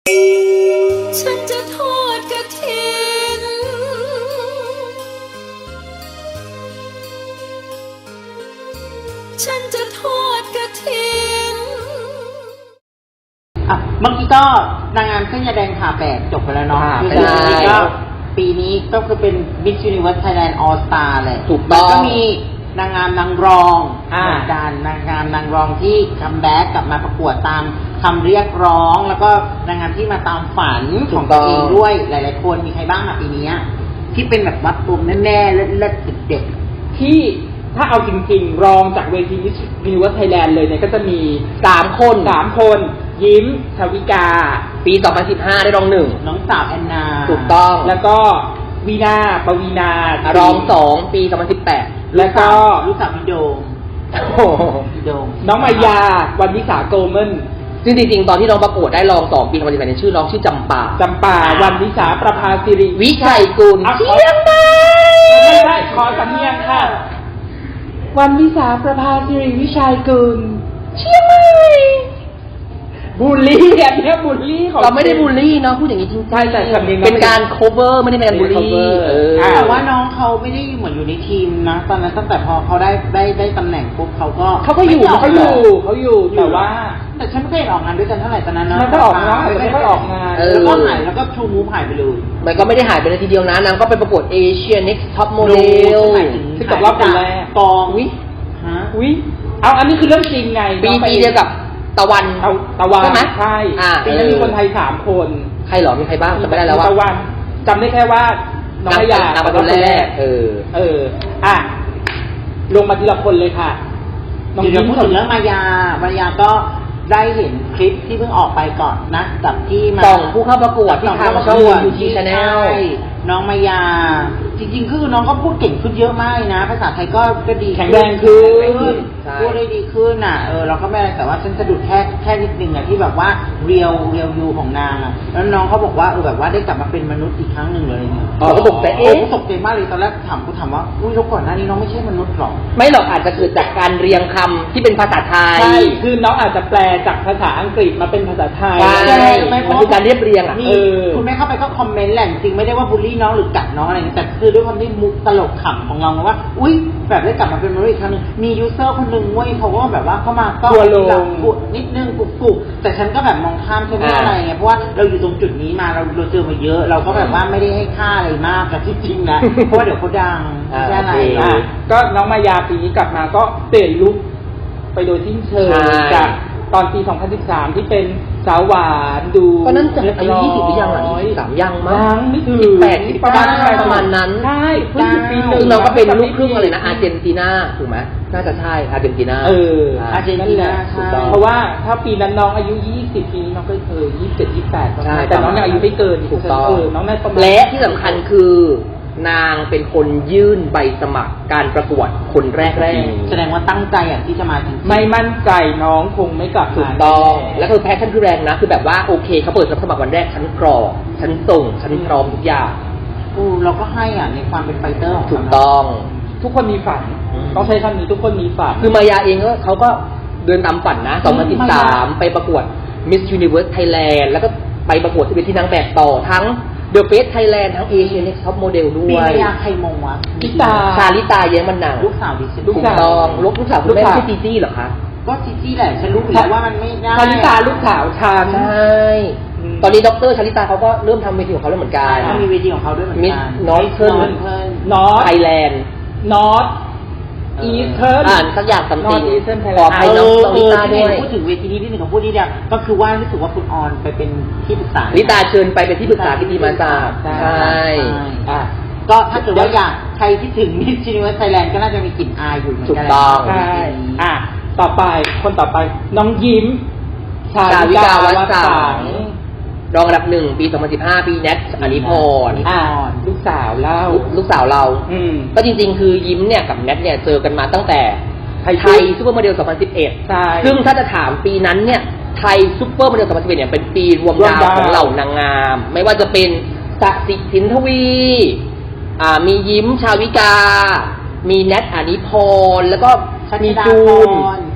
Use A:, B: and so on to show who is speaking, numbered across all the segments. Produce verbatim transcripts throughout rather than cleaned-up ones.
A: ฉันจะทอดกฐินฉันจะทอดกฐิน
B: อ่ะเมื่อกี้ก็นางงามเส้นยาแดงผ่าแปดจบไปแล้วเนาะ
C: ใช่
B: ก็ปีนี้ก็คือเป็น Miss Universe Thailand All Star เลย
C: ถูกต้อง
B: ก็มีนางงามนางรอง
C: อ่า
B: เหมือนกันนางงามนางรองที่คัมแบ็กกลับมาประกวดตามคำเรียกร้อง แล้วก็นางงามที่มาตามฝันของตัวเองด้วยหลายๆคนมีใครบ้างอะปีนี้ที่เป็นแบบวัดตัวแม่ๆเลิศๆเด็ก
C: ที่ถ้าเอาจริงๆรองจากเวที Miss Universe Thailand เลยเนี่ยก็จะมีสามคนสามคน ยิ้มชวิกาปีสองพันสิบห้าได้รองหนึ่ง
B: ๆน้องสาวแอนนา
C: ถูกต้องแล้วก็วีนาปวีนารองสองปีสองพันสิบแปดแล้วก็
B: ลูกสาวพี่โดม
C: โอ้โห
B: พี่โดม
C: น้องมายาวันวิสาโกลเมนซึ่งจริงๆตอนที่น้องประกวดได้รองสองปีสองพันสิบแปดเนี่ยชื่อน้องชื่อจำปาจำปาวันวิสาประภาสิริวิชัยกุลเชียงใหม่ไม่ใช่ขอสำเนียงค่ะวันวิสาประภาสิริวิชัยกุลเชียงใหม่บูลลี่อันนี้บูลลี่ของเราไม่ได้บูลลี่เนาะพูดอย่างนี้จริงใช่แต่สำเนียงเป็นการ cover ไม่ได้เป็นการบูลลี่
B: แต่ว่าน้องเขาไม่ได้เหมือนอยู่ในทีมนะตอนนั้นตั้งแต่พอเขาได้ได้ได้ตำแหน่งปุ๊บเขาก็
C: เขาก็อยู่เขาอยู่เขาอยู่แต่ว่า
B: แต่ฉันไม่เคยออกงานด้วยกันเท่าไหร่ตอนนั้นนะ
C: ไม่ค่อยออกงานไม่ค่อยออกงาน
B: แล้วก็หายแล้วก็ชูมูฟหายไปเลย
C: มันก็ไม่ได้หายไปในทีเดียวนะนางก็ไปประกวด Asia Next Top Model ซึ่งกับรอบคนแรก
B: กองวิ
C: ฮะวิเอาอันนี้คือเรื่องจริงไงปีปีเดียวกับตะวันตะวันใช่ไหมใช่ปีนั้นมีคนไทยสามคนใครหรอมีใครบ้างจำไม่ได้แล้วว่าตะวันจำได้แค่ว่าน้องพยานางคนแรกเออเอออ่ะลงมาทีละคนเลยค่ะ
B: น้องยิ้มพูดถึงเรื่องมายามายาก็ได้เห็นคลิปที่เพิ่งออกไปก่อนนะจากที่มา
C: ส่องผู้เข้าประกวดที่ทางช่องยูทีชาแนล
B: น้องมายาจริงๆคือน้องก็พูดเก่งขึ้นเยอะมากนะภาษาไทยก็ก็ดี
C: แข็งแรงขึ้น
B: พูดได้ดีขึ้นอ่ะเออเราก็ไม่อะไรแต่ว่าฉันสะดุดแค่แค่นิดนึงอ่ะที่แบบว่าเรียวเรียวยูของนางอ่ะแล้วน้องเขาบอกว่าเออแบบว่าได้กลับมาเป็นมนุษย์อีกครั้งหนึ่งเลยเนี่ย
C: เราก็ตกใจเอ๊ะ
B: ตกใจมากเลยตอนแรกถามกูถามว่าอุ้ยแล้วก่อนหน้านี้น้องไม่ใช่มนุษย์หรอ
C: ไม่หรอกอาจจะเกิดจากการเรียงคำที่เป็นภาษาไทยใช่คือน้องอาจจะแปลจากภาษาอังกฤษมาเป็นภาษาไทยใช่มันคือการเรียบเรียงอ่ะ
B: คุณแม่เข้าไปก็คอมเมนต์แหละจริงไม่ได้ว่าบูลลี่น้องหรือกัดน้องอะไรแต่คือด้วยความที่มุกตลกขำของเราว่าอุ้ยแบบได้กลับมาเป็นมนุษย์อีกครั้งนึงมียูเซอร์คนหนึ่งเว้ยเขาก็แบบว่าเข้ามาก็กุดนิดนึงกุบกุบแต่ฉันก็แบบมองข้ามฉันไม่อะไรไงเพราะว่าเราอยู่ตรงจุดนี้มาเราเราเจอมาเยอะเราก็แบบว่าไม่ได้ให้ค่าอะไรมากแต่ที่จริงนะเพราะว่าเดี๋ยวเขาดังใช่ไหม
C: ก็น้องมายาปีนี้กลับมาก็เปลี่ยนลุคไปโดยสิ้นเชิงจากตอนปีสองพันสิบสามที่เป็นสาวหวานดูก็นั่นจะอายุยี่สิบหรือยังอ่ะยี่สิบสามยังมั้งไม่ถึงสิบแปดสิบเก้าประมาณนั้นใช่เพิ่งสิบปีนึงเราก็เป็นลูกครึ่งอะไรนะอาร์เจนตินาถูกไหมน่าจะใช่อาร์เจนตินา
B: เอออาร์เจนตินาใช่
C: เพราะว่าถ้าปีนั้นน้องอายุยี่สิบปีนี้น้องก็เคยยี่สิบเจ็ดยี่สิบแปดแต่น้องอายุไม่เกินถูกต้องน้องน่าประมาณและที่สำคัญคือนางเป็นคนยื่นใบสมัครการประกวดคนแรกแรก
B: แสดงว่าตั้งใจอ่ะที่จะมาจริง
C: ไม่มั่นใจน้องคงไม่กลับถูกต้องแล้วคือแพชชั่นคือแรงนะคือแบบว่าโอเคเขาเปิดรับสมัครวันแรกฉันกรอกฉันส่งฉันพร้อมทุกอย่าง
B: อูเราก็ให้อ่ะในความเป็นไฟเตอร์
C: ถูกต้องทุกคนมีฝันต้องใช้คำนี้ทุกคนมีฝันคือมายาเองก็เขาก็เดินตามฝันนะสองพันสิบสามไปประกวด Miss Universe Thailand แล้วก็ไปประกวดที่เป็นที่นางแบบต่อทั้งThe Face Thailand ทั้ง Asia Next Top Model ด้วย
B: ปีนี้ใครมงวะ
C: ลิตาชาลิตาเย้มันหนัง
B: ลูกสาวดิฉัน
C: ลูกสาวลูกลูกสาวคุณแม่ชื่อจีจี้เหรอคะ
B: ก็จีจี้แหละฉันรู้อยู่แล้วว่ามันไม่ได้
C: ชาลิตาลูกสาวชาใช่ตอนนี้ด็อกเตอร์ชาลิตาเขาก็เริ่มทำเวทีของเขาแล้วเหมือนกัน
B: เขามีเวทีของเขาด้วยเหมือนกัน
C: นอร์ทเทิร์นนอร์ทไทยแลนด์นอร์ทอีเทิร์นอ่านสักอย่างสัมติงขอให้น้องชาลิตาด้วย
B: พูดถึงเวทีนี้ที่หนึ่งของพูดนี่เนี่ยก็คือว่ารู้สึกว่าคุณออนไปเป็นที่ปรึกษา
C: ลิตาเชิญไปเป็นที่ปรึกษาพิธีมาจากใช่
B: ก็ถ้าเกิดว่าอยากใครที่ถึง Miss Universe Thailand ก็น่าจะมีกลิ่นอายอยู่เหมือนกัน
C: ถูกต้องใช่อ่ะต่อไปคนต่อไปน้องยิ้มชาวิกาวัฒน์สังรองอันดับหนึ่งปีสองพันสิบห้าปีแนทอนิพรอ่าลูกสาวเล่าลูกสาวเราอืมก็จริงๆคือยิ้มเนี่ยกับแนทเนี่ยเจอกันมาตั้งแต่ไทยซุปเปอร์โมเดลสองพันสิบเอ็ดใช่ซึ่งถ้าจะถามปีนั้นเนี่ยไทยซุปเปอร์โมเดลสองพันสิบเอ็ดเนี่ยเป็นปีรวมดาวของเหล่านางงามไม่ว่าจะเป็นสสิสินทวีอ่ามียิ้มชาวิกามีแนทอนิพรแล้วก็มีจูน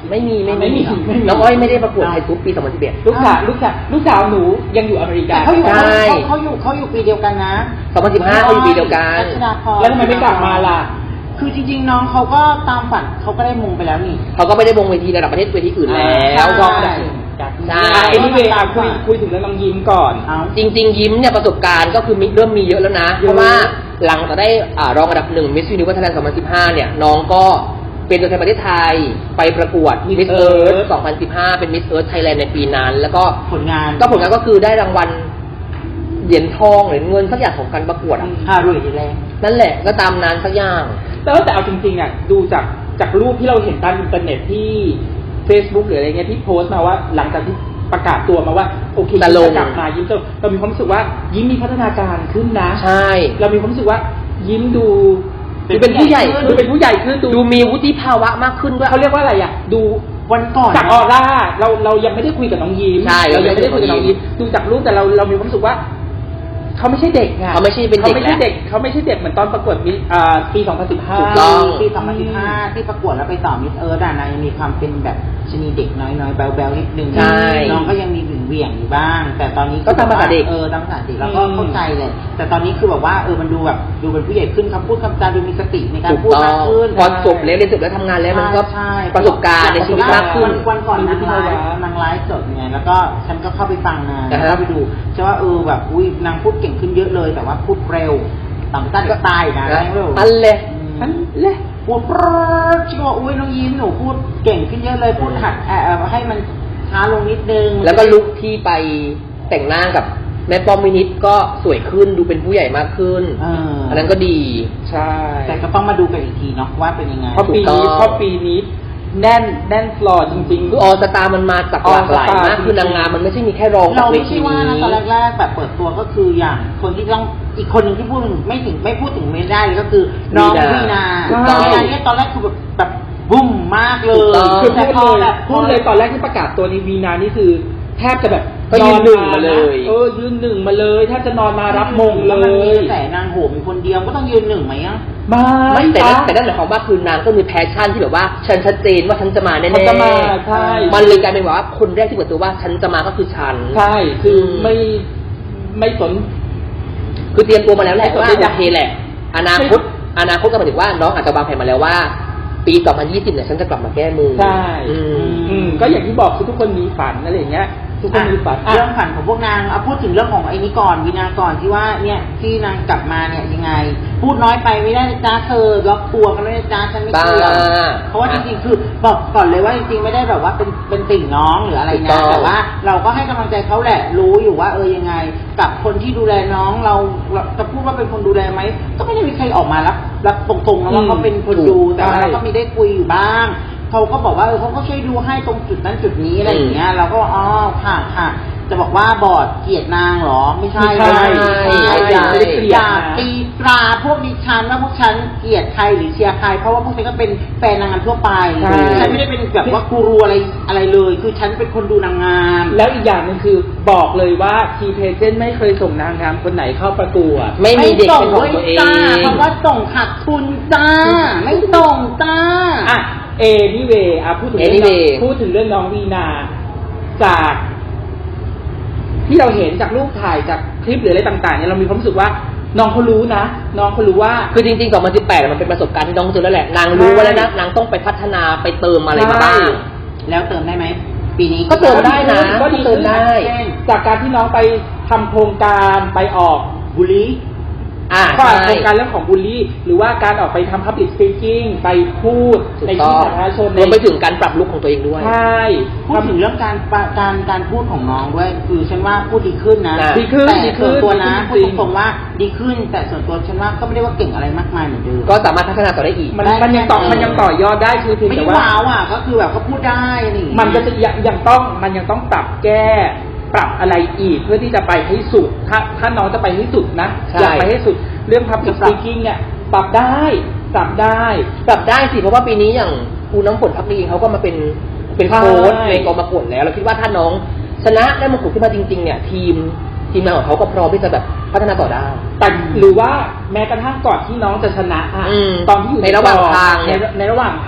C: ไม่มีไม่
B: ไม่มี
C: มีน้องอ้อยไม่ได้ประกวดไทยซุปปีสองพันสิบเอ็ด
D: ลูกสาวลูกสาวลูกสาวหนูยังอยู่อเมริกา
B: แต่เขาอยู่
C: ใช่
B: เขาเขาอยู่เขาอยู่ปีเดียวกันนะ
C: สองพันสิบห้าเขาอยู่ปีเดียวกัน
B: รัชดาพร
D: แล้วทำไมไม่กลับมาล่ะ
B: คือจริงๆน้องเขาก็ตามฝันเขาก็ได้มงไปแล้วนี่
C: เขาก็ไม่ได้วงเวทีระดับประเทศเวทีอื่นแล้
B: ใช่
C: ว
D: รองอันดับหนึ่ง
C: ใช่
D: อ่ะ anyway อ่ะคุยคุยถึงเรื่องน้องยิ้มก่อน
B: เอา
C: จริง ๆ ยิ้มเนี่ยประสบการณ์ก็คือมีเริ่มมีเยอะแล้วนะ
D: เย
C: เพ
D: อะ
C: ราะว่าหลังจากได้อ่ารองอันดับหนึ่ง Miss Universe Thailand สองพันสิบห้าเนี่ยน้องก็เป็นตัวแทนประเทศไทยไปประกวด Miss Earth สองพันสิบห้าเป็น Miss Earth Thailand ในปีนั้น แล้วก็
B: ผลงาน
C: ก็ผลงานก็คือได้รางวัลเหรียญทองเหรียญเงินสักอย่างของการประกวดอะ
B: ฮารวยดีแรง
C: นั่นแหละก็ตามนั้นสักอย่าง
D: แต่ว่าแต่เอาจริงๆอ่ะดูจากจากรูปที่เราเห็นตามอินเทอร์เน็ตที่ Facebook หรืออะไรเงี้ยที่โพสต์มาว่าหลังจากที่ประกาศตัวมาว่าโอเค
C: จะลง
D: ยิ้มจะกลับมายิ้มจะเรามีความรู้สึกว่ายิ้มมีพัฒนาการขึ้นนะ
C: ใช่
D: เรามีความรู้สึกว่ายิ้มดู
C: ดูเป็นผู้ใหญ่ขึ้น
D: ดูเป็นผู้ใหญ่ขึ้น
C: ดูมีวุฒิภาวะมากขึ้นด้วย
D: เขาเรียกว่าอะไรอ่ะดู
B: วันก่อน
D: จากออร่าเราเรายังไม่ได้คุยกับน้องยิ้ม
C: ใช่
D: เรายังไม่ได้คุยกับน้องยิ้มดูจากรูปแต่เราเรามีความรู้สึกว่าเขาไม่ใช่เด็กไง
C: เขาไม่ใช่เป็นเด็ก
D: เขาไม่ใช่เด็กเขาไม่ใช่เด็กเหมือนตอนประกวดมิอ่าปีสองพันสิบห้า
C: ถูกต้อง
B: ปีสองพันสิบห้าที่ประกวดแล้วไปต่อมิสเอิร์ธอ่ะนางยังมีความเป็นแบบชนีเด็กน้อยๆแบลๆนิดนึง
C: ใช่
B: น้องก็ยังมีเหวี่ยงๆอยู่บ้าง แต่ตอนนี้
C: ก็ตามภาษาเด็ก
B: เออตามภาษาเด็กแล้วก็เข้าใจเลย แต่ตอนนี้คือแบบว่าเออมันดูแบบดูเป็นผู้ใหญ่ขึ้นคำพูดคำจาดูมีสติในการ
C: ถูก
B: พูด
C: ต้อ
B: มาก
C: ง
B: ขึ้น
C: พอจบแล้วเรียนจบแล้วทำงานแล้วมันก็
B: ใช่
C: ประสบการณ์ในชีวิตมากขึ้น
B: วันก่อนนางไลฟ์นางไลฟ์สดไงแล้วก็ฉันก็เข้าไปฟังนาง
C: อ่าฮะ
B: แล้วไปดูใช่ว่าเออแบบอุ้ยนางพูดเก่งขึ้นเยอะเลย แต่ว่าพูดเร็วต่ำต้านตายนะ
C: นะ
B: เร็ว
C: อันเลย
B: อันเละพูดปรดชิว่าอุ้ยน้องยิ้มหนูพูดเก่งขึ้นเยอะเลยพูดหัดเอ่อให้มันช้าลงนิดนึง
C: แล้วก็ลุคที่ไปแต่งหน้ากับแม่ป้อมมินิดก็สวยขึ้นดูเป็นผู้ใหญ่มากขึ้น
B: เออ
C: อันนั้นก็ดี
D: ใช่
B: แต่ก็ต้องมาดูกันอีกทีเนาะว่าเป็นยังไง
D: เพราะปี
C: ถูกต้
D: นี้
C: อง
D: เพราะปีนี้แน่นแน่นฟลอร์จริง
C: คือออสตามันมาจากหลากหลาย
D: All Star
C: มาก
D: จริงๆ
C: คือนางงามมันไม่ใช่มีแค่รอง
B: เรา
C: เว
B: ไม่
C: ที
B: ใช่ว่านะ
C: นี้
B: ตอนแรกๆแบบเปิดตัวก็คืออย่างคนที่ต้องอีกคนหนึ่งที่พูดถึงไม่ถึงไม่พูดถึงไม่ได้เลยก็คือน้อง
C: วี
B: วี
C: นา
B: นา
C: ถูกต้อง
B: วีนาเนี่ยตอนแรกคือแบบแบบบุ้มมากเล
C: ถู
B: ย
C: กต้อง
D: ๆ คือ
B: แต่
D: พูด
B: พอ
D: เลย
B: แบบ
D: พูดเลยตอนแรกที่ประกาศตัวในวีนานี่คือแทบจะแบบ
C: ก็ยืนหนึ่งมาเลย
D: เออยืนหนึ่งมาเลยแทบจะนอนมารับมงเล
B: แล้วมันมี
D: ย
B: กระแสนางโหมอยู่คนเดียวก็ต้องยืนหนึ่งไหมอ่ะ
D: มา
C: ไม่แต่นั่นแต่นั่นหมายความว่าคือนางก็มีแพชชั่นที่แบบว่าฉันชัดเจนว่าฉันจะมาแน่ๆ
D: ฉันจะมาใช่
C: มันเลยกลายเป็นว่าคนแรกที่เปิดตัวว่าฉันจะมาก็คือฉัน
D: ใช่คืออ
C: ม
D: ไม่ไม่สน
C: คือเตรียมตัวมาแล้วแหละ
D: ไม่สน
C: ว่า
D: ใจ
C: โอเคแหละ อนาคตอนาคตก็หมายถึงว่าน้องอาจจะวางแผนมาแล้วว่า ปีสองพันยี่สิบเนี่ยฉันจะกลับมาแก้มือ
D: ใช่
C: อืม
D: อืมก็อย่างที่บอกคือทุกคนมีฝันอะไรอย่างเงี้ย ทุกคนมีฝันอ่ะ
B: เรื่องฝันของพวกนางเอาพูดถึงเรื่องของไอ้นี้ก่อนวินาก่อนที่ว่าเนี่ยที่นางกลับมาเนี่ยยังไง พูดน้อยไปไม่ได้นะจ้าเธอล็อกตัวกันไม่ได้จ้าฉันไม่เชื่อ
C: บ้า
B: เพราะว่าจริงๆคือบอกก่อนเลยว่าจริงๆไม่ได้แบบว่าเป็นเป็นติ่งน้องหรืออะไร
C: ถูก
B: นะ
C: ต้อง
B: แต่ว่าเราก็ให้กำลังใจเขาแหละรู้อยู่ว่าเออยังไง กับคนที่ดูแลน้องเราเราจะพูดว่าเป็นคนดูแลไหมก็ไม่ได้มีใครออกมารับรับตรงๆนะว่าเขาเป็นคนดูแต่ว่าเราก็มีได้คุยอยู่บ้างเขาก็บอกว่าเออเขาก็ช่วยดูให้ตรงจุดนั้นจุดนี้อะไรอย่างเงี้ยเราก็อ๋อค่ะค่ะจะบอกว่าบอร์ดเกลียดนางเหรอไม่ใช่
D: ไม่ใช่
B: ไม่ใช่
D: ไม่ใช่
B: อย่า
D: ไม่ได้เกลียด
B: อย่า
D: นะ
B: ตีตราพวกดิฉันว่าพวกฉันเกลียดใครหรือเชียร์ใครเพราะว่าพวกฉันก็เป็นแฟนนางงามทั่วไป
D: ใช่
B: ฉันไม่ได้เป็นแบบว่ากูรูอะไรอะไรเลย คือฉันเป็นคนดูนางงาม
D: แล้วอีกอย่างหนึงคือบอกเลยว่าทีเพเจนไม่เคยส่งนางงามคนไหนเข้าประกวด
C: ไม่มีเด็ก
B: ส่
C: เป็นของตัวเอง
B: จ้าเพราะว่าส่งขาดทุนจ้า ไม่ส่งจ้า
D: อ่ะเอนี่เวอ่ะพูดถึงเรื่องน้อง
C: Anyway
D: พูดถึงเรื่องน้องวีนาจาก ที่เราเห็นจากรูปถ่ายจากคลิปหรืออะไรต่างๆเนี่ยเรามีความรู้สึกว่าน้องเขารู้นะน้องเขารู้ว่า
C: คือจริงๆสองพันสิบแปดมันเป็นประสบการณ์ที่น้องเจอแล้วแหละ นางรู้ไว้แล้วนะ นางต้องไปพัฒนาไปเติมอะไรมาบ้าง
B: แล้วเติมได้ไหมปีนี้
C: ก็เติมได้นะ
D: ก็ดี
C: เติมได้
D: เช่นจากการที่น้องไปทำโครงการไปออก
B: บุรี
C: อ่า
D: ก็
C: ใช่
D: โครงการเรื่องของบูลลี่ หรือว่าการออกไปทำ public speaking ไปพูด
C: ถูก
D: ใน
C: ต้
D: ที่
C: อง
D: สาธารณชน
C: รวมไปถึงการปรับลุคของตัวเองด้วย
D: ใช่
B: พูดถึงเรื่องการปะการการพูดของน้องด้วย คือฉันว่าพูดดีขึ้นนะ
C: อ่า
D: ดีขึ้น
B: แต่
D: ดีขึ้
B: ส่วน
D: น
B: ตัวนะ
D: ดี
B: พู
D: ขึ้
B: ด
D: นจริง
B: ตรงๆว่าดีขึ้น แต่ส่วนตัวฉันว่าก็ไม่ได้ว่าเก่งอะไรมากมายเหมือนเดิม
C: ก็สามารถพัฒนาต่อได้อีก
D: มันมันยังต่อมันยังต่อยอดได้คือเพียง
B: ไม่
D: แต่
B: ได้
D: ว่า
B: ว้าวอ่ะก็คือแบบก็พูดได้อะไรอย่างเงี้ย
D: มันก็จะยังยังต้องมันยังต้องปรับแก้ปรับอะไรอีกเพื่อที่จะไปให้สุด ถ้าถ้าน้องจะไปให้สุดนะ
C: ใช่
D: อยากไปให้สุดเรื่อง public speaking เนี่ยปรับได้ปรับได้
C: ปรับได้สิ เพราะว่าปีนี้อย่างครูน้ำฝนพักดีเขาก็มาเป็นเป็นโค้ช
D: ใช่
C: ในกองประกวดแล้ว เราคิดว่าถ้าน้องชนะได้มงกุฎขึ้นมาจริงๆเนี่ยทีมทีมงานของเขาก็พร้อมที่จะแบบพัฒนาต่อได้
D: แต่หรือว่าแม้กระทั่งก่อนที่น้องจะชนะอะ
C: อืม
D: ตอนที่อยู่
C: ในระหว่างทาง
D: ใน
C: เนี่ย
D: ในระหว่างทาง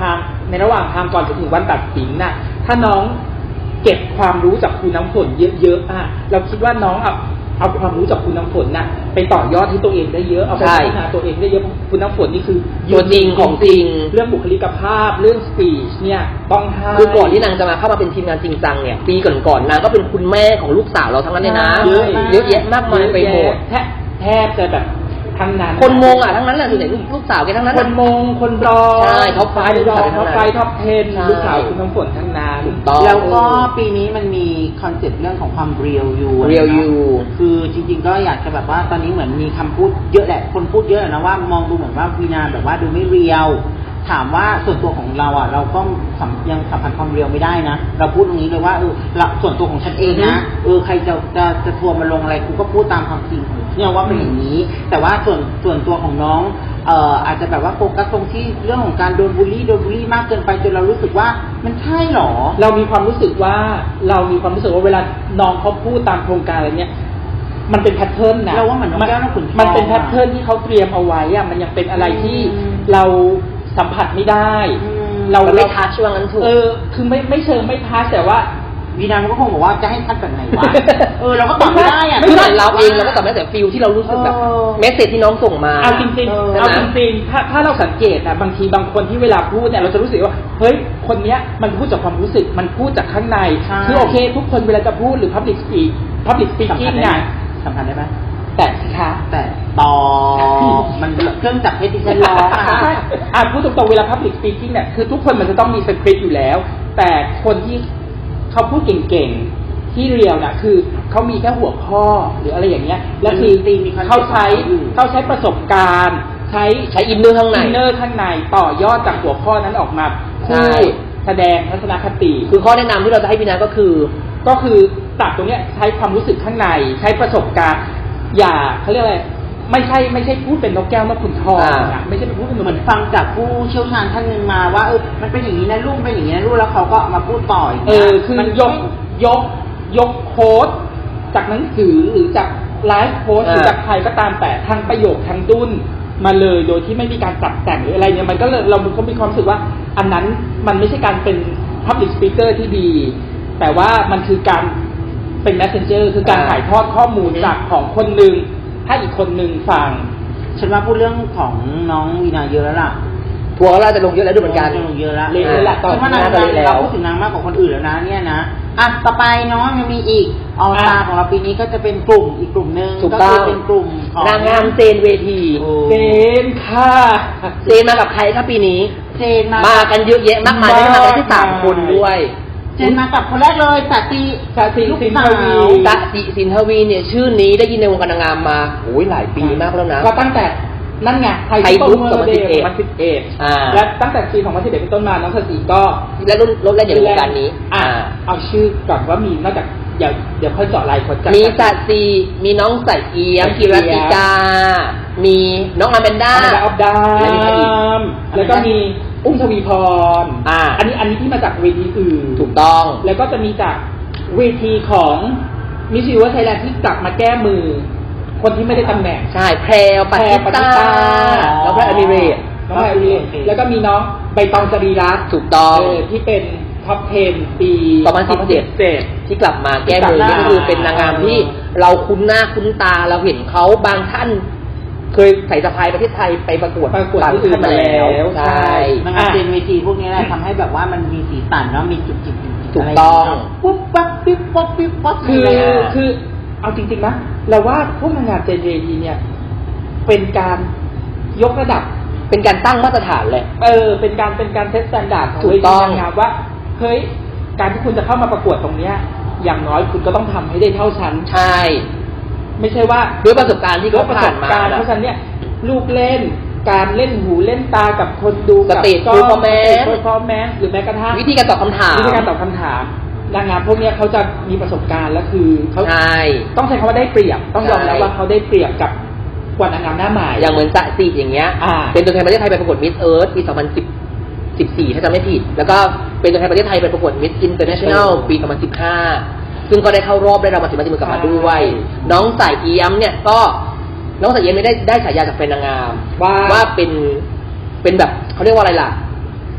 D: ในระหว่างทางก่อนจะถึงวันตัดสินน่ะถ้าน้องเก็บความรู้จากครูน้ำฝนเยอะๆอ่ะเราคิดว่าน้องเอาเอาความรู้จากครูน้ำฝนน่ะไปต่อยอดให้ตัวเองได้เยอะเอาไปพัฒนาตัวเองได้เยอะครูน้ำฝนนี่คือ
C: ตัวจริงของจริง
D: เรื่องบุคลิกภาพเรื่องสปีชเนี่ยต้องให้
C: คือก่อนที่นางจะมาเข้ามาเป็นทีมงานจริงจังเนี่ยปีก่อนๆนางก็เป็นคุณแม่ของลูกสาวเราทั้งนั้นเลยนะ
D: เยอะ
C: เยอะแยะมากมายไปหมด
D: แทบแทบจะแบบทั้งนั้น
C: คนมงอ่ะทั้งนั้นแหละส่วนใหญ่ลูกสาวแกทั้งนั้น
D: คนมงคนรอ
C: ใช่ท็อปไฟว์
D: รอท็อปไฟท็อปเทน
C: ใช่
D: ลูกสาวคุณน้ำฝนทั้งนั้น
C: ถูกต้อง
B: แล้วก็ปีนี้มันมีคอนเซ็ปต์เรื่องของความเรียลยู
C: Real You
B: คือจริงๆก็อยากจะแบบว่าตอนนี้เหมือนมีคำพูดเยอะแหละคนพูดเยอะนะว่ามองดูเหมือนว่าวีนาแบบว่าดูไม่เรียลถามว่าส่วนตัวของเราอ่ะเราก็สัมยังสัมผัสความเรียลไม่ได้นะเราพูดตรงนี้เลยว่าเออเราส่วนตัวของฉันเองนะเออใครจะจะจะทัวร์มาลงอะไรกูก็พูดตามความจริงของเนี่ยว่าเป็นอย่างนี้ แต่ว่าส่วนส่วนตัวของน้องเอ่ออาจจะแบบว่าโฟกัสตรงที่เรื่องของการโดนบูลลี่โดนบูลลี่มากเกินไปจนเรารู้สึกว่ามันใช่หรอ
D: เรามีความรู้สึกว่าเรามีความรู้สึกว่าเวลาน้องเขาพูดตามโครงการอะไรเนี้ยมันเป็นแพทเทิร์นนะ
B: เราว่าเหมือนน้องแก้วน้องขุนทอง
D: มันเป็นแพทเทิร์นที่เขาเตรียมเอาไว้อะมันยังเป็นอะไรที่
B: อืม
D: เราสัมผัสไม่ได้
B: อืม
D: เรา
C: มันไม่ทัชว่างั้นถูก
D: เออคือไม่ไม่เชิงไม่ทัชแต่ว่า
B: วีนาก็คงบอกว่าจะให้คัดแบบไหนวะ เออเราก็ตอบไม่ได้อะ
C: คือเหมือนเราเองเราก็ตอบไม่ได้แต่ฟิลที่เรารู้สึกแบบ
B: เออ
C: เมสเซจที่น้องส่งมา
D: เอาจริง
B: เออ
D: ๆเอาจริงๆถ้าถ้าเราสังเกตนะบางทีบางคนที่เวลาพูดเนี่ยเราจะรู้สึกว่าเฮ้ยคนเนี้ยมันพูดจากความรู้สึกมันพูดจากข้างใน
B: ใช่
D: คือโอเค ทุกคนเวลาจะพูดหรือ public speak public
B: สำคัญ
D: speaking
B: ได้ไหม
D: เนี่ย
B: สำคัญได้ไหม
D: แต่สิคะ
B: แต่ต่อมันเครื่องจับเพชรที่ฉันร้องอะ
D: ใช่อ่ะพูดตรงๆเวลา public speaking เนี่ยคือทุกคนมันจะต้องมีสคริปต์อยู่แล้ว แต่คนที่เขาพูดเก่งๆที่เรียลน่ะคือเขามีแค่หัวข้อหรืออะไรอย่างเงี้ยแล้วคือ
B: ตีมีคอนเซ็ปต์
D: เขาใช้
B: ของเขาอยู่
D: เขาใช้ประสบการณ์ ใช้
C: ใช้อินเนอร์ข้างใน
D: อินเนอร์ข้างในต่อยอดจากหัวข้อนั้นออกมา
C: ใช่
D: พูดแสดงทัศนคติ
C: คือข้อแนะนำที่เราจะให้พี่นาก็คือ
D: ก็คือตัดตรงเนี้ยใช้ความรู้สึกข้างใน ใช้ประสบการณ์ อย่าเขาเรียกอะไรไม่ใช่ไม่ใช่พูดเป็นนกแก้วนกขุนทอง
C: อ่า
D: นะไม่ใช่เป็นพูดเป็นนก
B: เหมือนฟังจากผู้เชี่ยวชาญท่านหนึ่งมาว่าเออมันเป็นอย่างนี้นะลูกเป็นอย่างนี้นะลูกแล้วเขาก็มาพูดต่ออย่าง
D: เอ
B: เงี้ย
D: อคือ
B: มัน
D: ยกยกยกโค้ดจากหนังสือหรือจากไลฟ์โค้ดหรือจากใครก็ตามแต่ทั้งประโยคทั้งดุนมาเลยโดยที่ไม่มีการปรับแต่งหรืออะไรเนี่ยมันก็เลยเราก็มีความรู้สึกว่า อันนั้นมันไม่ใช่การเป็น public speaker ที่ดี แต่ว่ามันคือการเป็น messenger คือการ
C: อ่า
D: ถ่ายทอดข้อมูลจากของคนหนึ่งให้อีกคนหนึ่งฟัง
B: ฉันว่าพูดเรื่องของน้องวีนาเยอะแล้วล่ะ
C: ทัวร์เราจะลงเยอะแล้วด้วยเหมือนกัน
B: ลงเยอะแล้ว
D: เละเลยล่ะตอน
B: ฉันว่านาง
C: นี้น่าจะเละแล้ว
B: เราพูดถึงนางมากกว่าคนอื่นแล้วนะเนี่ยนะอ่ะต่อไปเนาะยังมีอีกออสตา
D: อ่ะ
B: ของเราปีนี้ก็จะเป็นกลุ่มอีกกลุ่มหนึ่ง
C: ถูก
B: ก็
C: ต้อ
B: คื
C: ง
B: เป็นกลุ่มของ
C: นางงามเจนเวที
B: โอ้
D: เจนค่ะ
C: เจนมากับใครครับปีนี้
B: เจนมา
C: มากันเยอะแยะมากมายไม่ได้มากันแค่สามคนด้วย
B: เจนมากับคนแรกเลยสาตี
D: สาธิ
B: ลูก
D: สิน
B: สา
D: ท
B: ว
D: วี
C: ตะสิสินทวีเนี่ยชื่อนี้ได้ยินในวงการนางงามมาโอ้ยหลายปีมากแล้วนะ
D: ก็ตั้งแต่นั่นไงไทย
C: ไทย
D: ซุป
C: บุ๊
D: เปอร์
C: ก
D: เดย์
C: ส
D: ส
C: อ
D: อง ง
C: พั
D: พั
C: น
D: น
C: สิ
D: สิ
C: บบ เอ็
D: เอ็
C: ด
D: ด
C: อ่า
D: และตั้งแต่ปีสองพันสิบเอ็ดเป็นต้นมาน้องสสีก็
C: และรุ่นรถแรกอย่างในวงการนี้
D: อ่ะ
C: อ่า
D: เอาชื่อก่อนว่ามีนอกจากเดี๋ยวเดี๋ยวค่อยเจาะรายคนจาก
C: มีสัตซีมีน้องใส่เอียมกิรติกา มีน้องอาแมนด้า
D: อาดาออฟดา
C: และมีใครอีก
D: มแล้วก็มีอุ้มทวีพร
C: อ่า
D: อันนี้อันนี้ที่มาจากเวทีอื่น
C: ถูกต้อง
D: แล้วก็จะมีจากเวทีของมิสซิวไทยแลนด์ที่กลับมาแก้มือ คนที่ไม่ได้ตำแหน่ง
C: ใช่แพรวปฏิตาน้องแพรอมิเรต
D: น้องแพรอมิเรตแล้วก็มีน้องใบตองจรีรัตน์
C: ถูกต้อง
D: เที่เป็นท็อปสิบปี
C: สองพันสิบเจ็ด ที่กลับมาแก้มือนี่ก็คือเป็นนางงามที่เราคุ้นหน้าคุ้นตาเราเห็นเขาบางท่าน เคยใส่สะพายประเทศไทยไปประกวด
D: ประกวด
C: บาง
D: ที่อื่
C: ท่าน นมาแล้ว
D: แล้ว
C: ใช่
B: นางงามเจนเวทีพวกนี้แหละทำให้แบบว่ามันมีสีสันเนาะมีจุดจิต
C: ถูกต้อง
B: ปุ๊บปั๊บปิ๊บป๊บปิ๊บป๊บ
D: คือ
B: อะไร
D: คือ
B: อะ
D: คือเอาจริงๆนะเราว่าพวกนางงามเจนเวทีเนี่ย เป็นการยกระดับ
C: เป็นการตั้งมาตรฐานเลย
D: เออเป็นการเป็นการเซตสแตนดาร์ดของ
C: ถู
D: เว
C: ก
D: ที
C: ต้อง
D: นางงามว่าเฮ้ยการที่คุณจะเข้ามาประกวดตรงเนี้ย อย่างน้อยคุณก็ต้องทำให้ได้เท่าฉัน
C: ใช่
D: ไม่ใช่ว่า
C: ด้วยประสบการณ์ที่
D: ด้ว
C: เขา
D: ยประส
C: ผ่าน
D: บ
C: มา
D: การณ์
C: นะ
D: เพราะฉะนั้นเนี่ยลูกเล่นการเล่นหูเล่นตากับคนดู
C: สเตจ
D: กับ
C: performance
D: เพอร์ฟอร์แมนซ์หรือแม้กระทั่ง
C: วิธีการตอบคำถาม
D: วิธีการตอบคำถามนางงามพวกเนี้ยเขาจะมีประสบการณ์และคือเขา
C: ใช่
D: ต้องใช้คำว่าได้เปรียบ ต้องยอมรับ
C: ใช่
D: ว่าเขาได้เปรียบกับกว่านางงามหน้าใหม่
C: อย่างเหมือนสะสีอย่างเงี้ย
D: อ่า
C: เป็นตัวแทนประเทศไทยไปประกวดมิสเอิร์ธปี สองพันสิบ สิบสี่ ถ้าจำไม่ผิด แล้วก็เป็นตัวแทนประเทศไทยไปประกวดมิสอินเตอร์เนชั่นแนลปี สองพันสิบห้า ซึ่งก็ได้เข้ารอบได้รางวัลสิบมาติมือกลับมาด้วย น้องสายเอี้ยมเนี่ยก็น้องสายเอี้ยมไม่ได้ได้ฉายาจากแฟนนางงาม
D: ว่า
C: ว่าเป็นเป็นแบบเขาเรียกว่าอะไรล่ะ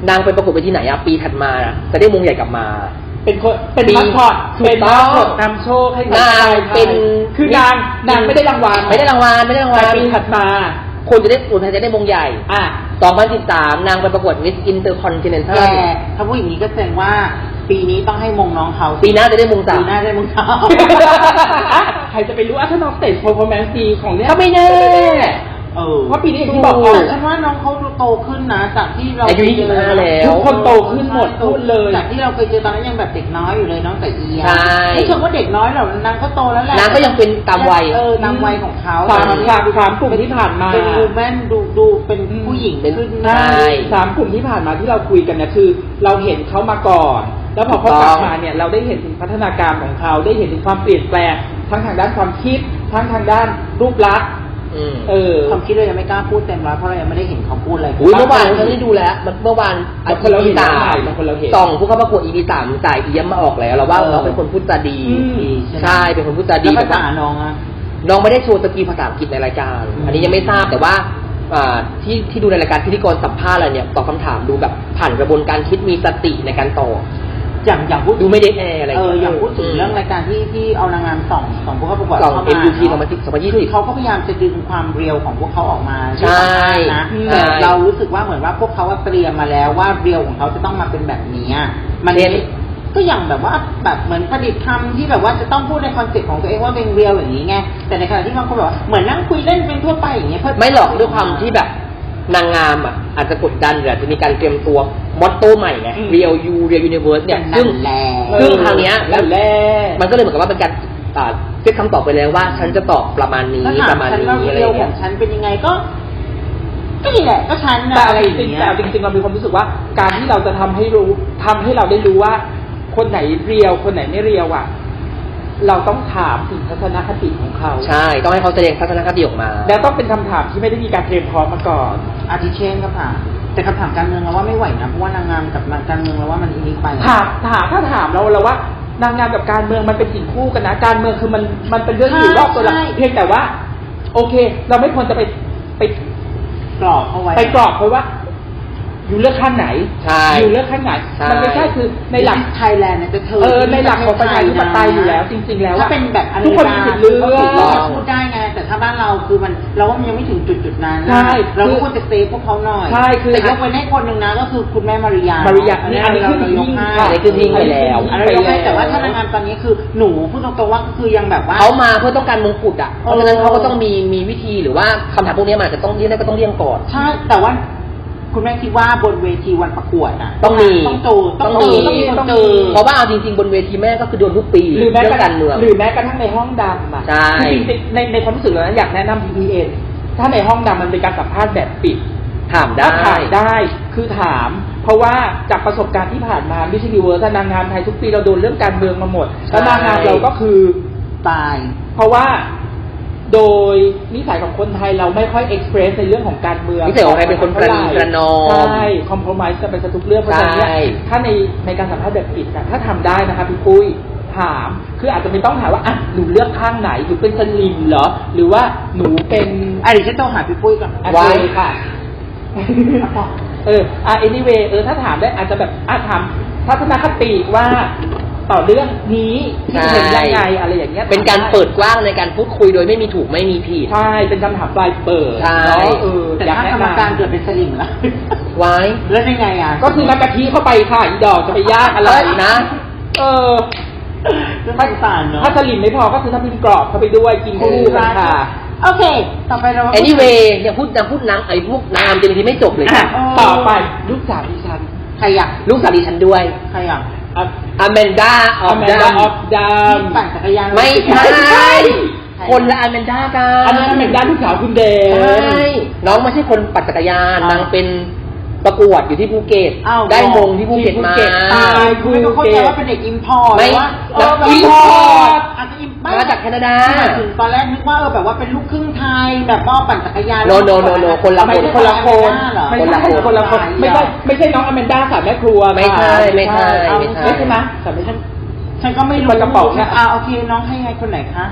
C: นางไปประกวดไปที่ไหนอะปีถัดมาจะได้มงใหญ่กลับมา
D: เป็นคนเป็น
C: ปี
D: มาสคอต
C: ถูก
D: เป็น
C: ต้
D: มา
C: อง
D: สคอตนำโชคให้กับ
C: นาง
D: ชยไทย
C: เป็น
D: คือนางนางไม่ได้รางวัล
C: ไม่ได้รางวัลไม่ได้รางวัล
D: แต่ปีถัดมา
C: คนจะได้คนไทยจะได้มงใหญ่
D: อ่ะ
C: สองพันสิบสามนางไปประกวด Miss Intercontinental
B: แต่ถ้าพูดอย่างนี้ก็แสดงว่าปีนี้ต้องให้มงน้องเขา
C: ปีหน้าจะได้มงสา
B: ปี
C: ม
B: หน้าได้มงเขา
D: อ่ะใครจะไปรู้อ่ะถ้าน้องสเตจเพอร์ฟอร์แมนซ์ดีของเนี้ย
C: ก็ไม่แน่
B: เออ
D: เพราะปีนี้อย่างที่บอก
B: แต่
D: อ่ะ
B: ฉันว่าน้องเขาโตขึ้นนะจากที่เรา
C: อายุยี่สิบห้าแล้ว
D: ทุกคนโตขึ้นหมดพูดเลย
B: จากที่เราเคยเจอตอนนั้นยังแบบเด็กน้อยอยู่เลยน้องแต่เอีย
C: ใช่
B: ไม่เชิงว่าเด็กน้อยหรอกนางก็โตแล้วแหละ
C: นางก็ยังเป็นตามวัย
B: เออตามวัยของเขา
D: สามสามสามกลุ่มที่ผ่านมา
B: เป็นวูแมนดูดูเป็นผู้หญิง
C: เป็น
B: ขึ้น
C: ใช่
D: สามกลุ่มที่ผ่านมาที่เราคุยกันเนี่ยคือ เราเห็นเขามาก่อน แล้วพอเขากลับมาเนี่ยเราได้เห็นถึงพัฒนาการของเขาได้เห็นถึงความเปลี่ยนแปลงทั้งทางด้านความคิดทั้งทางด้านรูปลักษณ์
C: อืม
D: เออ
B: ความคิดเรายังไม่กล้าพูดเต็มร้อยเพราะเรายังไม่ได้เห็นเขาพูดอะไร
C: อุ้ยเมื่อวานฉันได้ดูแล้วเมื่อวาน
D: บางคนเราเห็น
C: สาม
D: บางคนเราเห็น
C: ส่องผู้เข้าประกวด อี พี สามจ่ายเอี้ยมมาออกแล้วเราว่า
B: เออ
C: เราเป็นคนพูดจาดี
D: อืม
C: ใช่เป็นคนพูดจาดี
B: แล้วภา
C: แต่
B: ษา
C: ว่า
B: น้องอะ
C: น้องไม่ได้โชว์สกิลภาษาอังกฤษในรายการ อันนี้ยังไม่ทราบแต่ว่าอ่าที่ที่ดูในรายการพิธีกรสัมภาษณ์อะไรเนี่ยตอบคำถามดูแบบผ่านกระบวนการคิดมีสติในการตอบ
B: อย่างอย่างพูด
C: ดูไม่ได้แอร์อะไร
B: เออ
C: เงี้ย
B: อย่างพูดถึงเรื่องรายการที่ที่เอานางงามสองสองพวกเขาประกวด
C: สอง
B: เข้ามา
C: เอ็ม ยู ที
B: เนอะ
C: สองพันสิบ สองพันยี่สิบ
B: คือเขาก็พยายามจะดึงความเรียวของพวกเขาออกมา
C: ใช่
B: นะ
C: ใช่
B: แต่เรารู้สึกว่าเหมือนว่าพวกเขาว่าเตรียมมาแล้วว่าเรียวของเขาจะต้องมาเป็นแบบนี้อะมัน
C: เรียน
B: ก็อย่างแบบว่าแบบเหมือนประดิษฐ์คำที่แบบว่าจะต้องพูดในคอนเซ็ปต์ของตัวเองว่าเป็นเรียวอย่างนี้ไงแต่ในขณะที่บางคนบอกว่าเหมือนนั่งคุยเล่นเป็นทั่วไปอย่างเงี้ยเพื่
C: ไม่หรอกด้วยความที่แบบนางงามอ่ะอาจจะกดดันหรืออาจจะมีการเตรียมตัวมอตโต้ใหม่ไง
D: อืม
C: Real You Real Universe เนี่ย
B: นั่
C: ซึ่ง
B: นแหละ
C: ซึ่งคราวเนี้ย
D: แล้วแรก
C: มันก็เลยเหมือนกับว่าเป็นการอ่าเซตคำตอบไปแล้วว่า ฉันจะตอบประมาณนี้
B: ถ้า
C: ป
B: ถาม
C: ระมาณ
B: ฉัน
C: นี้
B: ว่า
C: อะไร
B: เรียวข
C: เงี้
B: อย งฉันเป็นยังไงก็ก็นี่แหละก็ฉันนะ
D: แต่
B: อะไร
D: จ
B: อย่าง
D: ริงๆ
B: เงี้
D: แต่
B: ย
D: จริงๆเรามีความรู้สึกว่าการที่เราจะทำให้รู้ทำให้เราได้รู้ว่า คนไหนเรียวคนไหนไม่เรียวอ่ะ เราต้องถามถึงทัศนคติของเขา
C: ใช่ ต้องให้เขาแสดงทัศนคติออกมา
D: แล้วต้องเป็นคำถามที่ไม่ได้มีการเตรียมพร้อมมาก่อน
B: อาทิเช่นก็ผ่านแต่คำถามการเมืองเราว่าไม่ไหวนะเพราะว่านางงามกับการเมืองเราว่ามันอินิกไป
D: ถามถามถ้าถามเราเราว่านางงามกับการเมืองมันเป็นสิ่งคู่กันนะ การเมืองคือมันมันเป็นเรื่องอยู่รอบตัวเราเพียงแต่ว่า โอเค เราไม่ควรจะไปไป
B: กรอบเข้าไว้
D: ไปกรอบเพราะว่า อยู่เลือกข้างไหน
C: ใช่
D: อยู่เลือกข้างไหน
C: ใช่
D: มันไม่ใช่คือในหลัก
B: ไทยแลนด์เนี่ยจะเธอ
D: เออในหลักของประชาธิปไตยอยู่แล้ว จริง ๆ แล้ว
B: ถ้า
D: อะ
B: เป็นแบบอเม
D: ทุก
B: ริ
D: คน
B: กา
D: มีสิทธิ์เลื
B: ก็
D: อ
B: ถูกต้อง
D: ก
B: พูดได้ไงแต่ถ้าบ้านเราคือมันเราว่ามันยังไม่ถึงจุดจุดๆนั้นนะ
D: ใช่
B: เราก็ควรจะเซฟพวกเขาหน่อย
D: ใช่คือ
B: แต่ยกไว้ให้คนหนึ่งนะก็คือคุณแม่มาริยา
D: มาริยา
B: อันนี้
D: อันนี้
B: เรา
D: คือ
B: เรายกให้
C: อันนี้คือทิ้งไปแล้ว
B: อันนี้เรายกให้แต่ว่าถ้านางงามตอนนี้คือหนูพูดตรงๆว่าก็คือยังแบบว่า
C: เขามาเพื่อต้องการมงกุฎอ่ะ เพราะฉะนั้นเขาก็ต้องมีมีวิธีหรือว่าคำถามพวกนี้มันอาจจะต้องเลี่ยงได้ก็ต้องเลี่ยงก่อน
B: ใช่แต่ว่าคุณแม่คิดว่าบนเวทีวันประกวดอ่ะ
C: ต้องมี
B: ต้องเจอต้องเจอต้องมีคนเจอ
C: เพราะว่าเอาจริงๆ บนเวทีแม่ก็คือโดนทุกปี
D: หรือแม้
C: เรื่
D: ก
C: อง
D: ระ
C: การเมือง
D: หรือแม้กระทั่งในห้องดำอ่ะ
C: ใช่
D: คือจริงๆในในความรู้สึกเรานะอยากแนะนำ พี พี เอ็น ถ้าในห้องดำมันเป็นการสัมภาษณ์แบบปิด
C: ถามได้
D: ถ้าถามได้คือถาม เพราะว่าจากประสบการณ์ที่ผ่านมามิชลิเวิร์สนางงามไทยทุกปีเราโดนเรื่องการเมืองมาหมด แล้วนางงามเราก็คือ
B: ตาย
D: เพราะว่าโดยนิสัยของคนไทยเราไม่ค่อยเอ็กเพรสในเรื่องของการเมือง
C: นิสัยของใครเป็นคนประนีประนอม
D: ใช่คอมโพรไมซ์กันไปซะทุกเรื่องเพราะฉะนั้นเนี่ย
C: ใช่
D: ถ้าในในการสัมภาษณ์แบบปิดอะถ้าทำได้นะคะพี่ปุ้ยถามคืออาจจะไม่ต้องถามว่าอ่ะหนูเลือกข้างไหนหนูเป็นสลิมเหรอหรือว่าหนูเป็น
B: อ่ะเดี๋ยวฉันต้องหาพี่ปุ้ยก่อน
D: อะ
C: ไว้
D: ไรค่ะ เอออ่ะ anyway เออถ้าถามได้อาจจะแบบอ่ะถามทัศนคติว่าต่อเรื่องนี้ที่เห็นยังไงอะไรอย่างเงี้ย
C: เป็นการเปิดกว้างในการพูดคุยโดยไม่มีถูกไม่มีผิด
D: ใช่เป็นคำถามปลายเปิด
C: ใช่
D: เนาะเออ
B: แต่
D: อยาก
B: ถ้า
D: แนะ
B: กรรม
D: นำ
B: การเกิดเป็นสลิมล่ะ
C: ไว้
B: แล้วยังไงอ่ะ
D: ก็คือน้ำกะทิเข้าไปค่ะอีดอกจะไปยากอะไร
C: เอ้ยนะ
D: เออ
B: เรื่องสงสารเนาะ
D: ถ้าสลิมไม่พอก็คือถ้าพิมพ์กรอบเข้าไปด้วยกินคู่กันค่ะ
B: โอเค ต่อไปเรามา
C: anyway เนี่ยพูดนะพูดนางไอ้พวกนางงามจริงๆไม่จบเลย
D: อ่ะ
C: ค่ะ
D: ต่อไปลูกสาวดิฉัน
B: ใครอ่ะ
C: ลูกสาวดิฉันด้วย
B: ใครอ่ะ
C: อแมนดาออ
D: อ
C: ฟ
D: แมน
C: ดั
D: ดาม ออฟดัม
B: ที่ปั่นจักรยาน
C: ไม่ใช่
B: ใช่
C: คนละอแมนดากัน
D: อันนั้นอแมนดาลูกสาวคุณเดน
C: ใช่น้องไม่ใช่คนปั่นจักรยาน
B: อ่าน
C: นางเป็นประกวดอยู่ที่ภูเก็ต
B: อ้าว
C: ได้มงที่ภูเก็ตมา
B: ตายคุณไม่ต้องเข้าใจว่าเป็นเด็กอิมพอร์ต
C: ไม่
B: ว่าเออ
C: นัก
B: อิมพอร์ต
C: import
B: อาจจะอิม
C: มาจากแคนาดา
B: หมายถึงตอนแรกนึกว่าเออแบบว่าเป็นลูกครึ่งไทยแบบว่าปั่นจักรยาน
C: No no no no คนละ
B: ไม่
C: คน
B: ใช่
D: คนละคน
B: เหรอ
D: ไม่
C: คนละ
D: ใช่
C: คน
D: คนละคนไม่ใช่ไม่ใช่น้องอแมนดาค่ะแม่ครัว
C: ไม่ใช่
D: ค่ะ
C: ไม่ใช่
D: เอา
C: ไม่ใช่
D: ไม่ใช่ไหมแต่ไม่ใช่
B: ฉันก็ไม่รู้
D: คนกระป๋องนะ
B: อ่าโอเคน้องให้ไงคนไหนคะ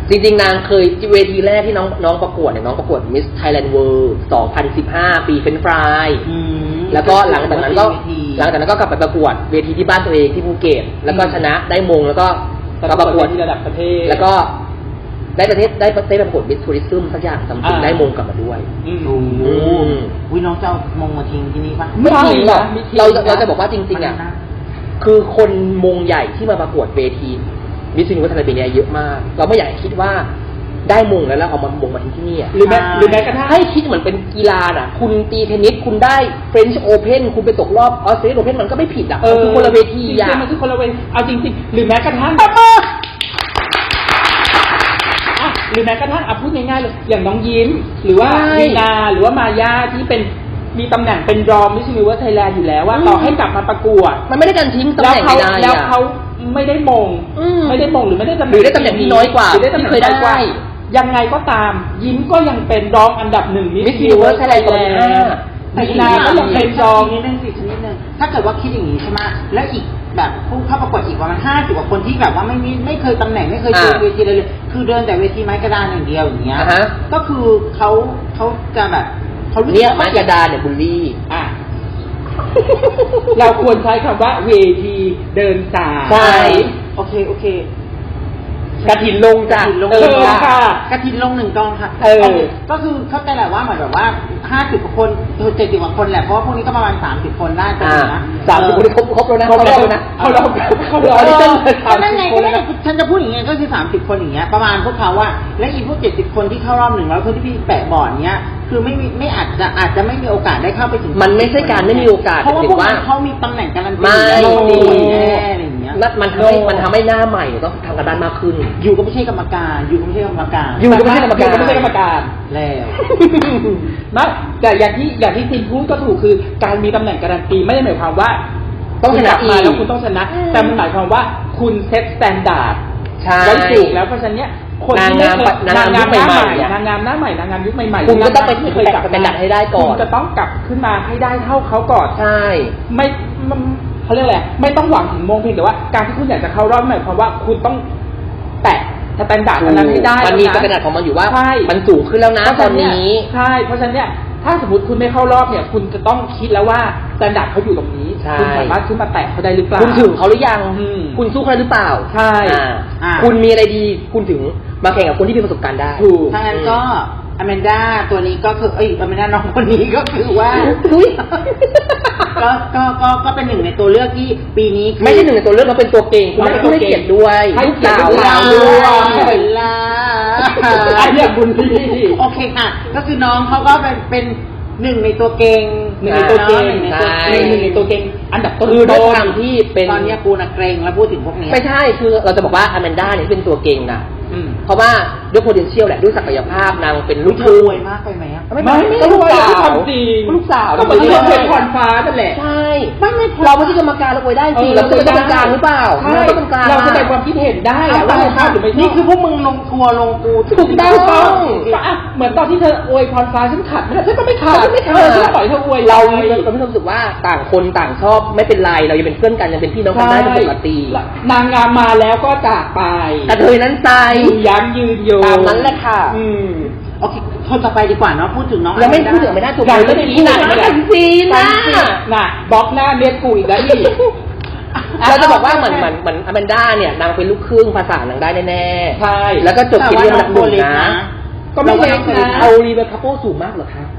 C: จริงๆนางเคยเวทีแรกที่น้องน้องประกวดเนี่ยน้องประกวด Miss Thailand World สองพันสิบห้า ปีเฟรนช์ฟราย
B: อืม
C: แล้วก็หลังจากนั้นก็หลังจากนั้นก็กลับไปประกวดเวทีที่บ้านตัวเองที่ภูเก็ตแล้วก็ชนะได้มงแล้วก็ก็ประกวด
D: ที่ระดับประเทศ
C: แล้วก็ได้ประเทศได้ได้ประกวด Miss Tourism สักอย่างจำเป็นได้มงกลับมาด้วย
D: อืม
B: โอ้โหอุ้ยน้องจะเอามงมาทิ้งที่นี่ปะ
C: ไม่ทิ้งหรอก
D: ไม่ทิ้ง
C: เราเราจะบอกว่าจริงๆอ่ะคือคนมงใหญ่ที่มาประกวดเวทีมิสซินิวัฒนธรรมเนี่ยเยอะมากเราไม่อยากคิดว่าได้มงแล้วแล้วเอามามงมาทิ้งที่นี่อ่ะ
D: หรือแม้หรือแม้กระทั่ง
C: ให้คิดเหมือนเป็นกีฬาน่ะคุณตีเทนนิสคุณได้เฟรนช์โอเพนคุณไปตกรอบออสเตรเลียโอเพนมันก็ไม่ผิดอ่ะมันคือคนละเวที
D: จ
C: อ่ะ
D: ริงๆมันคือคนละเวทีเอาจริงๆหรือแม้กระทั่งอ่ะหรือแม้กระทั่งอ่ะพูดง่ายๆเลยอย่างน้องยิ้ม หรือว่ามีนาหรือว่ามายาที่เป็นมีตำแหน่งเป็นรองมิสซินิเวิร์สไทยแลนด์อยู่แล้วว่าต่อให้กลับมาประกวด
C: มันไม่ได้การทิ้งตำแหน่งไม่ได้
D: แล้วเขาไม่ได้มง
C: อืม
D: ไม่ได้มงหรือไม่ได้ตำแห
C: หรื
D: น่ง
C: อได้ตำแหน่งที่น้อยกว่า
D: หรือได้ตำแหน่ง
C: ที่เคยได้
D: น้อยกว่ายังไงก็ตามยิ้มก็ยังเป็นรองอันดับหนึ่งมิส
C: Miss
D: ซินิเวิร์ส
C: Universe
D: ไทยแลน
C: Thailand
D: ด์มีนาก็ยังเป็นรอง
B: นิดนึงสิชนิดนึงถ้าเกิดว่าคิดอย่างนี้ใช่ไหมแล้วอีกแบบผู้เข้าประกวดอีกประมาณห้าสิบกว่าคนที่แบบว่าไม่มีไม่เคยตำแหน่งไม่เคยเจอเวทีเลยเลยคือเดินแต่เวทีไม้กระดานอย่างเดียวอย่างเงี้ย
C: อ่าฮะ
B: ก็คือเขาเขาจะแบบเขารู้สึ
C: เนี่ย
B: ก
C: ไม้
B: ว่าก
C: ระดานเนี่ยบูลลี่
D: อ่ะ เราควรใช้คำว่าเวทีเดินสาย
C: ใช่
B: โอเคโอเค
C: กระถินลงจ้ะ
B: กฐินลง
D: เออค่ะ
B: กระถินลงหนึ่งกองค่ะ
D: เออ
B: โอเคก็คือเข้าใจแหละว่าเหมือนแบบว่าห้าสิบกว่าคนเจ็ดสิบกว่าคนแหละเพราะว่าพวกนี้ก็ประมาณสามสิบคนได้ตรง
C: อ่า
B: นี้นะ
C: สามสิบคนที่ครบครบแล้วนะ
D: ครบแล้ว
C: นะ
D: เขาเราเขา
B: เอ
D: เรา
B: อ
D: ที่ต้น
B: ก็นั่นไงก็นั่นไงฉันจะพูดอย่างเงี้ยก็คือสามสิบคนอย่างเงี้ยประมาณพวกเขาว่าและอีพวกเจ็ดสิบคนที่เข้ารอบหนึ่งแล้วคนที่พี่แปะบอร์ดเนี้ยคือไม่มีไม่อาจจะอาจจะไม่มีโอกาสได้เข้าไปถึง
C: มันไม่ใช่การไม่มีโอกาส
B: เพราะว่า
C: แต่
B: พวก
C: ว่า
B: นั้นเขามีตำแหน่งการันตี
C: ไม่
B: แล้วดี
C: ดี
B: แน่อะไรอย่างเงี้ย
C: นั่นมันทำให้มันทำให้หน้าใหม่เนี่ยต้องทำกันบ้านมากขึ้น
B: อยู่ก็ไม่ใช่กรรมการอยู่ก็ไม่ใช่กรรมการ
C: อยู่ก็ไม่ใช่กรรมการ
D: อยู่ก็ไม่ใช่กรรมการ
B: แล้ว
D: ไม่แต่อย่างที่อย่างที่ทีมพูดก็ถูกคือการมีตำแหน่งการันตีไม่ได้หมายความว่า
C: ต้องชนะ
D: คุณกลับมา
C: อีก
D: แล้วคุณต้องชนะ แต่มันหมายความว่าคุณเซตสแตนดาร์ด
C: ใช่
D: ไว้ถูกแล้วเพราะฉะนั้นเนี่ยคนที่ไม่เคย
C: นางงาม
D: หน้า
C: ยุค
D: ให
C: ใหม่
D: ม่
C: ๆอะ
D: นางงามหน้าใหม่นางงามยุคใหม่ๆ
C: คุณก็ต้องไป
D: ไม่เคยกลับ
C: สแตนดาร์ดให้ได้ก่อน
D: คุณจะต้องกลับขึ้นมาให้ได้เท่าเขาก่อน
C: ใช่
D: ไม่มันเขาเรียกอะไรไม่ต้องหวังถึงมงเพียงแต่ว่าการที่คุณอยากจะเข้ารอบหมายความว่าคุณต้องแตะสแตนดาร์ดอันนั้นให้ได้
C: มันมี
D: แล้วะ
C: สแตนดาร์ดของมันอยู่ว่า
D: ใช่
C: มันสูงขึ้นแล้วนะตอนนี้
D: ใช่เพราะฉะนั้นเนี่ยถ้าสมมติคุณไม่เข้ารอบเนี่ย คุณจะต้องคิดแล้วว่าสแตนดาร์ดเขาอยู่ตรงนี้
C: ใช่
D: คุณสามารถขึ้นมาแตะเขาได้หรือเปล่า
C: คุณถึงเขาหรือยัง
D: อืม
C: คุณสู้เขาได้หรือเปล่า
D: ใช่
C: อ่า
B: อ่า
C: คุณมีอะไรดี คุณถึงมาแข่งกับคนที่มีประสบการณ์ได้
D: ถูก
B: ถ้างั้นก็อแมนด้าตัวนี้ก็คือเอ้ยอแมนด้าน้องคนนี้ก็คือว่า
C: อุ๊ย
B: ก็ก็ก็ก็เป็นหนึ่งในตัวเลือกที่ปีนี้คือ
C: ไม่ใช่หนึ่งในตัวเลือกเราเป็นตัวเก่งคุณไม่ให้เกียรติด้วย
D: ให้เกียรติ
C: ลูกสาว
D: ลูก
C: ด้ว
D: สาว
C: ย
B: เวลา
D: อันเนี้ยบุญที่
B: โอเคค่ะ ก็คือน้องเขาก็เป็นเป็นหนึ่งในตัวเก่ง
D: หนึ่งในตัวเก่ง
B: หนึ่งในตัว
C: ใช่
B: เก่ง
D: หนึ่งในตัวเก่งอันดับต้น
C: คือด้วย
D: ๆ
C: ความที่เป็น
B: ตอนเนี้ยกูน่ะเกรงแล้วพูดถึงพวกเนี้ย
C: ไม่ใช่คือเราจะบอกว่าอแมนด้าเนี่ยเป็นตัวเก่งนะ
D: อืม
C: เพราะว่าด้วย potential แหละด้วยศักยภาพนางเป็นลูก
B: เธ
C: ค
B: อ
C: รึ่
B: รง วยมากไปไหมอะ
D: ไม่ไม่ไม่
C: ก็ลูกสาว
D: ไม่ความจริง
C: ลูกสาว
D: ก็เหมือนที่เราเป็นพรฟ้านั่นแหละ
C: ใช่
B: ไม่ไม่พอ
C: เราไม่ใช่กรรมการเราอวยได้สิเราเป็นกรรมการหรือเปล่า
D: ใช่
C: เราก็เป็นกลาง
D: เราแสดงความคิดเห็นได้อะว่าเราชอบหรือไม่ชอบ
B: นี่คือพวกมึงลงทัวร์ลงกู
C: ถูกต้อง
D: ถูกต้องก็อ่ะเหมือนตอนที่เธออวยพรฟ้าฉันขัดไม่ได้ฉันก็ไม่ขัด
C: เราไม่
D: เออฉันก็ปล่อยเธออวย
C: เรา
D: ไป
C: เราไม่รู้สึกว่าต่างคนต่างชอบไม่เป็นไรเรายังเป็นเพื่อนกันยังเป็นพี่น้องกันได้เป็นปกติ
D: นางงามมาแล้วก็จากไป
C: แต่เธอนั้นใจ
D: ยืนยั้งยืนโย
C: ตามนั้นแหละค่ะ
D: อืม
B: โอเคคนต่อไปดีกว่าเนาะพูดถึงน้อง
C: ยังไม่พูดถึงไม่ได้ถูก
D: ยัง
C: ก็
D: ไม่
C: มี
D: พูด
C: หนัง
D: ไม่ได้
C: กันซีนนะ
D: น่ะบล็อกหน้าเมียกูอีกแล้วอีก
C: เราจะบอกว่าเหมือนเหมือนเหมือนอแมนด้าเนี่ยนางเป็นลูกครึ่งภาษานางได้แน่ๆ
D: ใช่
C: แล้วก็จบเกียรติยศอันดับหนึ่งนะ
D: ก็ไม่เล็กนะ
C: เอารีเบคคาโปสูงมากเหรอคะ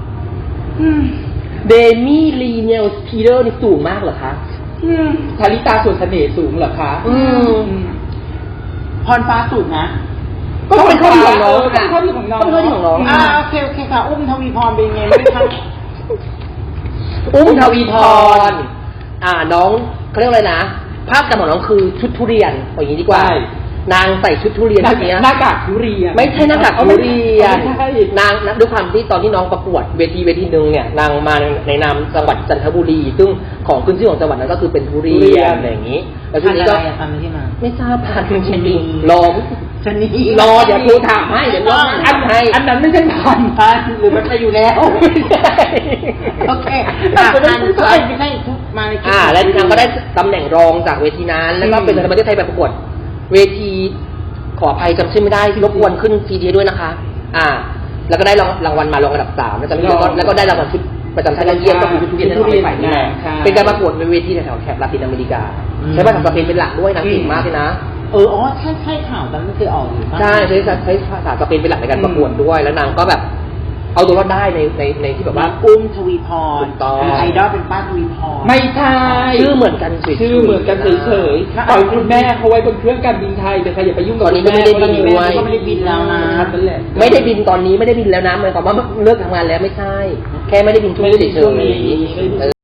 C: เดมี่ลีเนลสพีเดอร์นี่สูงมากเหรอคะ
D: ชาลิตาส่วนเสน่ห์สูงเหรอคะ
C: อืม
B: พรฟ้าสูงนะ
C: ก็เป็นข้อดีของน้อง
D: เเป็นข้อดีของน้อง
C: เป็นข้อดีของน้อง
B: อ่าโอเคโอเคค่ะ อุ้มทวีพรเป็นไงบ้างคะ
C: อุ้มทวีพรอ่าน้องเขาเรียกว่าอะไรนะ ภาพจำของน้องคือชุดทุเรียนอย่างนี้ดีกว่า
D: ใช่
C: นางใส่ชุดทุเรียน
D: หน้า
C: ชุดเนี้ย
D: หน้ากากทุเรียน
C: ไม่ใช่หน้ากากทุเรียน
D: ไม่ใช่
C: นางด้วยความที่ตอนที่น้องประกวดเวทีเวทีหนึ่งเนี่ยนางมาในนามจังหวัดจันทบุรี ซึ่งของขึ้นชื่อของจังหวัดนั้นก็คือเป็นทุเรี
D: ทุเรี
C: ย
D: ย
C: น
D: น
C: อะไรอย่างนี้ แล้วชุ
B: พั
C: ด
B: น
C: นี้
B: อะ
C: ก็
B: ไรอะพันที่มา
C: ไม่ทราบพันจ
B: ชะนี
C: ริงๆรอ
B: ชะนี
C: รอเดี๋ยวครูถามให้เดี๋ยวรอ
D: อั
C: อั
D: น
C: นให้
D: อันนั้นไม่ใช่พัน
B: พันหรือมันไปอยู่แล้วโอเคอ่ะพันก็ไม่ใช่ทุกมาในชุด
C: อ่า แล้วนางก็ได้ตำแหน่งรองจากเวทีนั้น แล้วก็เป็นประเทศไทยไปประกวดเวทีขออภัยจำชื่อไม่ได้รบกวนขึ้นซีดีด้วยนะคะ อ่า แล้วก็ได้รางรางวัลมารองอันดับสามแล้วจำไม่ได้แล้วก็แล้วก็ได้รางวัลชุดประจำชั้นยอดเยี่ยมก็คือชุดทุเรียนที่เราไปฝ่ายงานเป็นการประกวดในเวทีแถวแถบลาตินอเมริกาใช้ภาษาสเปนเป็นหลักด้วยนะเก่งมากเลยนะ
B: เอออ๋อใช่ใช่ข่าวนั้นไม่เคยออกอยู่
C: ใช่ใช้ใช้ภาษาสเปนเป็นหลักในการประกวดด้วยแล้วนางก็แบบเอาตัวรอดได้ในในในที่แบบว่า
B: อุ้มทวีพร
C: ถูกต้อง
B: ไอดอลเป็นป้าทวีพร
D: ไม่ใช่
C: ชื่อเหมือนกันเฉยๆ
D: ชื่อเหมือนกันเฉยๆปล่อยคุณแม่เขาไว้บนเครื่องการบินไทยแต่ใครอย่าไปยุ่งกับ
C: ตอนนี้
D: คุณแม่
C: ไม่ได้บินด้วย
B: ก็ไม่ได้บินแล้วนะ
D: นั่นแหละ
C: ไม่ได้บินตอนนี้ไม่ได้บินแล้วนะหมายความว่าเลิกทำงานแล้วไม่ใช่ แค่ไม่ได้บินช่วงนี้เฉยๆ